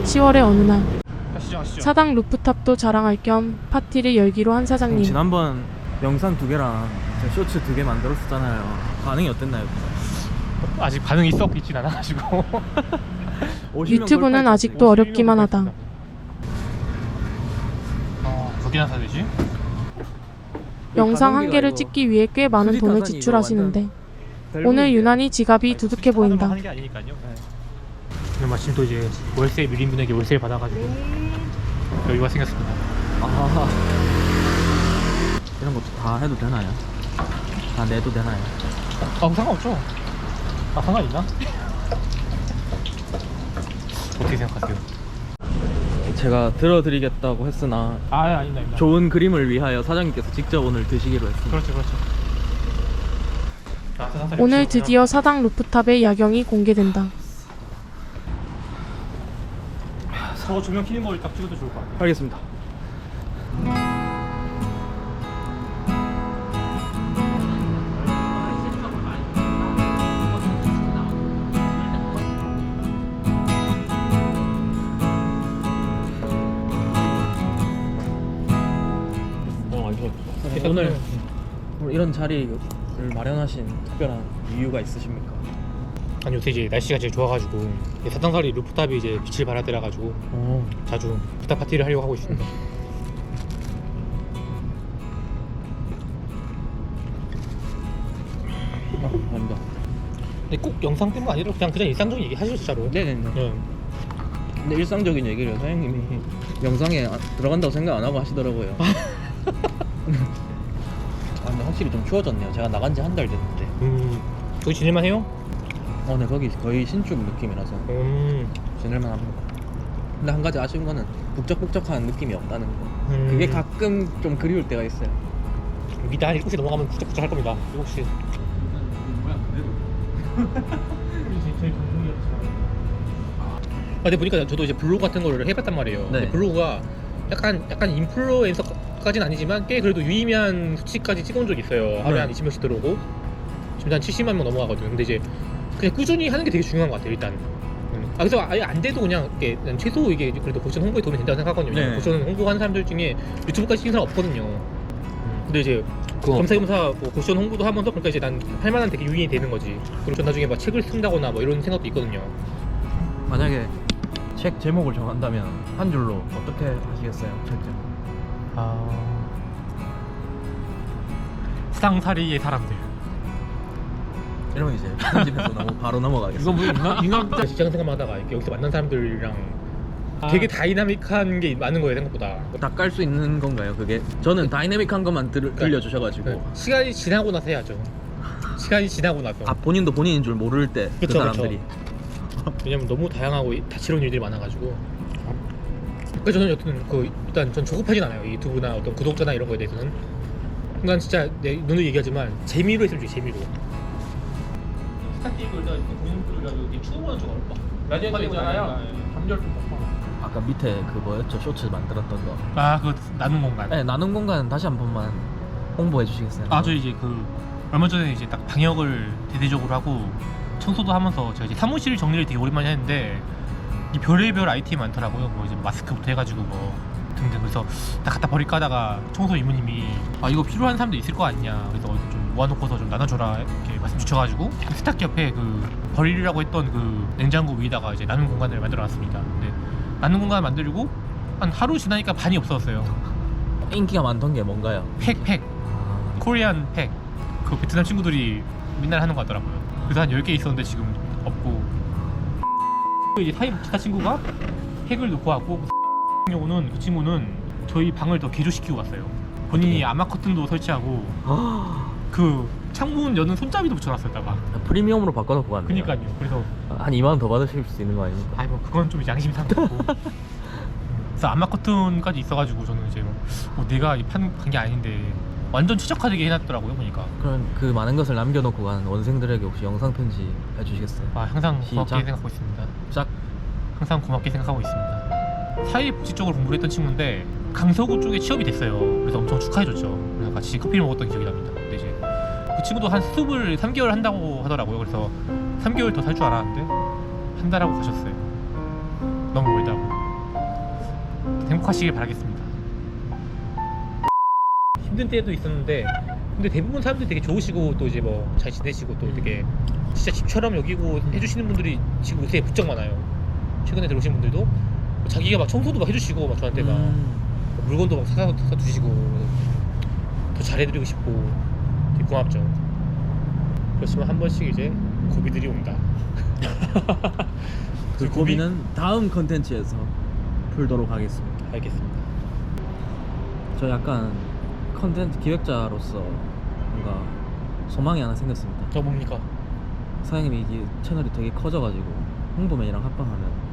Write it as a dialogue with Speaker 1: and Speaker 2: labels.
Speaker 1: 10월의 어느 날
Speaker 2: 아시죠?
Speaker 1: 사당 루프탑도 자랑할 겸 파티를 열기로 한 사장님.
Speaker 3: 지난번 영상 2개랑 쇼츠 2개 만들었었잖아요. 반응이 어땠나요?
Speaker 2: 아직 반응이 썩 있진 않아가지고
Speaker 1: 유튜브는 아직도 어렵기만 하다.
Speaker 2: 몇 개나 사야 되지?
Speaker 1: 영상 한 개를 찍기 위해 꽤 많은 돈을 지출하시는데 오늘 유난히 지갑이 두둑해 보인다.
Speaker 2: 하는 게 아니니까요. 오늘 마침 또 이제 월세 밀린 분에게 월세를 받아가지고 여유가 생겼습니다.
Speaker 3: 이런 것도 다 해도 되나요? 다 내도 되나요?
Speaker 2: 상관없죠. 상관 있나? 어떻게 생각하세요?
Speaker 3: 제가 들어드리겠다고 했으나
Speaker 2: 아닙니다.
Speaker 3: 좋은 그림을 위하여 사장님께서 직접 오늘 드시기로 했습니다.
Speaker 2: 그렇죠.
Speaker 1: 오늘 드디어 사당 루프탑의 야경이 공개된다.
Speaker 2: 저 조명 켜는 걸 딱 찍어도 좋을 것 같아요.
Speaker 3: 알겠습니다. 오늘 이런 자리를 마련하신 특별한 이유가 있으십니까?
Speaker 2: 아니 요새 이제 날씨가 제일 좋아가지고 사당사리 루프탑이 이제 빛을 발하더라 가지고 자주 루프탑 파티를 하려고 하고 있습니다.
Speaker 3: 감사합니다.
Speaker 2: 근데 꼭 영상 때문 아니라 그냥 일상적인 얘기 하시죠 진짜로.
Speaker 3: 네네네.
Speaker 2: 네.
Speaker 3: 근데 일상적인 얘기를 사장님이 영상에 들어간다고 생각 안 하고 하시더라고요. 근데 확실히 좀 추워졌네요. 제가 나간 지 한 달 됐는데.
Speaker 2: 거기 지낼만 해요?
Speaker 3: 네, 거기 거의 신축 느낌이라서 지낼만 합니다. 근데 한 가지 아쉬운 거는 북적북적한 느낌이 없다는 거. 그게 가끔 좀 그리울 때가 있어요.
Speaker 2: 이따 한 7시 넘어가면 부쩍부쩍 할 겁니다. 7시. 근데 보니까 저도 이제 블로그 같은 거를 해봤단 말이에요.
Speaker 3: 네.
Speaker 2: 근데 블로그가 약간 인플루엔서까지는 아니지만 꽤 그래도 유의미한 수치까지 찍어온 적이 있어요. 하루에
Speaker 3: 네.
Speaker 2: 한 20명씩 들어오고 지금 한 70만 명 넘어가거든요. 근데 이제 그냥 꾸준히 하는 게 되게 중요한 것 같아요. 일단. 그래서 아예 안 돼도 그냥 최소 이게 그래도 고션 홍보에 도움이 된다고 생각하거든요.
Speaker 3: 네.
Speaker 2: 고션 홍보하는 사람들 중에 유튜브까지 찍는 사람 없거든요. 근데 이제 겸사겸사 뭐 고션 홍보도 하면서 그러니까 이제 난 할만한 되게 유인이 되는 거지. 그리고 전 나중에 막 책을 쓴다거나 뭐 이런 생각도 있거든요.
Speaker 3: 만약에 책 제목을 정한다면 한 줄로 어떻게 하시겠어요? 책 제목.
Speaker 2: 사당사리의 사람들.
Speaker 3: 이러면 이제 편집해서 너무 바로 넘어가겠습니다.
Speaker 2: 이거 뭐 인간 직장 생활하다가 이렇게 여기서 만난 사람들이랑 되게 다이나믹한 게 많은 거예요 생각보다.
Speaker 3: 다 깔 수 있는 건가요? 그게 저는 다이내믹한 것만 들려주셔가지고
Speaker 2: 시간이 지나고 나서 해야죠. 시간이 지나고 나서.
Speaker 3: 본인도 본인인 줄 모를 때 그
Speaker 2: 그쵸,
Speaker 3: 사람들이.
Speaker 2: 왜냐면 너무 다양하고 다채로운 일들이 많아가지고. 그래서 저는 여튼 일단 전 조급하진 않아요. 이 유튜브나 어떤 구독자나 이런 거에 대해서는. 난 진짜 내 눈으로 얘기하지만 재미로 했으면 좋겠어요. 재미로. 스타트 이거 일단 본인들이라도 추워 보는 좀 어렵다. 라디오 있잖아요. 감절 좀
Speaker 3: 아까 밑에 그 뭐였죠? 쇼츠 만들었던 거.
Speaker 2: 그거 나눈 공간.
Speaker 3: 네, 나눈 공간 다시 한 번만 홍보해 주시겠어요?
Speaker 2: 저 이제 얼마 전에 이제 딱 방역을 대대적으로 하고 청소도 하면서 제가 이제 사무실 정리를 되게 오랜만에 했는데 이 별의별 아이템이 많더라고요. 뭐 이제 마스크부터 해가지고 뭐 등등. 그래서 다 갖다 버릴까 하다가 청소 이모님이 이거 필요한 사람도 있을 거 아니냐. 그래서 좀 모아놓고서 좀 나눠줘라 이렇게 말씀 주셔가지고 세탁기 옆에 버리려고 했던 냉장고 위에다가 이제 나눔 공간을 만들어놨습니다. 근데 나눔 공간 만들고 한 하루 지나니까 반이 없어졌어요.
Speaker 3: 인기가 많던 게 뭔가요?
Speaker 2: 팩 코리안 팩. 베트남 친구들이 맨날 하는 거 같더라고요. 그래서 한 10개 있었는데 지금 없고. 이제 기타 친구가 팩을 놓고 왔고 경우는 그 친구는 저희 방을 더 개조시키고 갔어요. 본인이 아마 커튼도 설치하고 창문 여는 손잡이도 붙여놨었다가.
Speaker 3: 프리미엄으로 바꿔놓고 갔네요.
Speaker 2: 그니까요. 그래서
Speaker 3: 한 2만 원 더 받으실 수 있는 거 아닙니까?
Speaker 2: 뭐 그건 좀 양심이 상하고. 그래서 아마 커튼까지 있어가지고 저는 이제 내가 판 게 아닌데 완전 최적화되게 해놨더라고요 보니까.
Speaker 3: 그럼 그 많은 것을 남겨놓고 간 원생들에게 혹시 영상 편지 해주시겠어요?
Speaker 2: 항상 고맙게
Speaker 3: 시작.
Speaker 2: 생각하고 있습니다.
Speaker 3: 짝.
Speaker 2: 항상 고맙게 생각하고 있습니다. 사회복지 쪽으로 공부를 했던 친구인데 강서구 쪽에 취업이 됐어요. 그래서 엄청 축하해줬죠. 그래서 같이 커피를 먹었던 기억이 납니다. 근데 이제 그 친구도 한 수습을 3개월 한다고 하더라고요. 그래서 3개월 더 살 줄 알았는데 한 달 하고 가셨어요. 너무 멀다고. 행복하시길 바라겠습니다. 힘든 때도 있었는데 근데 대부분 사람들이 되게 좋으시고 또 이제 뭐 잘 지내시고 또 되게 진짜 집처럼 여기고 해주시는 분들이 지금 요새 부쩍 많아요. 최근에 들어오신 분들도 자기가 막 청소도 막 해주시고 막 저한테 막 물건도 막 사다 주시고 더 잘해드리고 싶고 되게 고맙죠. 그렇지만 한 번씩 이제 고비들이 온다.
Speaker 3: 그 고민은 다음 컨텐츠에서 풀도록 하겠습니다.
Speaker 2: 알겠습니다.
Speaker 3: 저 약간 컨텐츠 기획자로서 뭔가 소망이 하나 생겼습니다.
Speaker 2: 저 뭡니까?
Speaker 3: 사장님이 이게 채널이 되게 커져가지고 홍보맨이랑 합방하면